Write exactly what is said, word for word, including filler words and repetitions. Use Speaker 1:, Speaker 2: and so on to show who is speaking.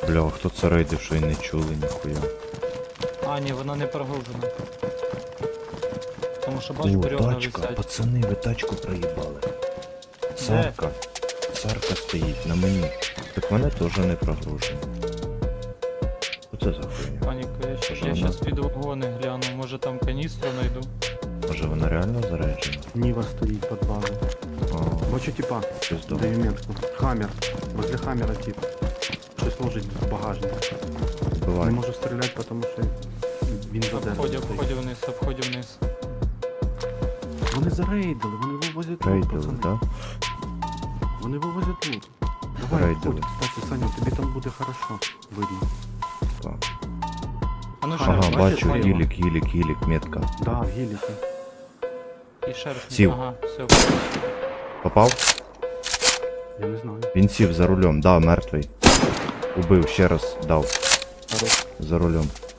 Speaker 1: Бля, хто це рейдив, що й не чули, ніхуя.
Speaker 2: А, ні, вона не прогружена. Тому що бачу,
Speaker 1: О,
Speaker 2: бревна
Speaker 1: тачка,
Speaker 2: висять.
Speaker 1: пацани, ви тачку проїбали. Сарка. Сарка стоїть на мені. Так вона теж не прогружена. Оце за хуйня.
Speaker 2: Паніку, я щас,
Speaker 1: Що
Speaker 2: я
Speaker 1: вона?
Speaker 2: щас піду вагони гляну, може там каністру знайду.
Speaker 1: Може вона реально заряджена?
Speaker 3: Нива стоит под базой.
Speaker 1: А,
Speaker 3: Бачу типа,
Speaker 1: щось добре.
Speaker 3: даю метку. Хаммер. Возле хаммера тип. Щось ложить в багажник. Не
Speaker 1: Буває.
Speaker 3: можу стріляти, тому що він за деревом
Speaker 2: Обходю,
Speaker 3: стоїть.
Speaker 2: обходю вниз, обходю вниз.
Speaker 3: Вони зарейдили, вони вивозять лут,
Speaker 1: Рейдили,
Speaker 3: пацани.
Speaker 1: да?
Speaker 3: Вони вивозять лут. Давай,
Speaker 1: Рейдили.
Speaker 3: обходь, кстати, Саня, тобі там буде хорошо видно.
Speaker 1: Так.
Speaker 2: А ну ще
Speaker 3: Ага,
Speaker 2: раз,
Speaker 1: Ага,
Speaker 2: бачиш,
Speaker 1: бачу,
Speaker 2: Ваня?
Speaker 1: гілік, гілік, гілік, метка.
Speaker 3: Да, в гіліки.
Speaker 2: І ще раз.
Speaker 1: Сів.
Speaker 2: Ага, все.
Speaker 1: Попав?
Speaker 3: Я не знаю.
Speaker 1: Він сів за рулем, да, мертвий. Убив, ще раз дав.
Speaker 3: Хорош.
Speaker 1: За рулем.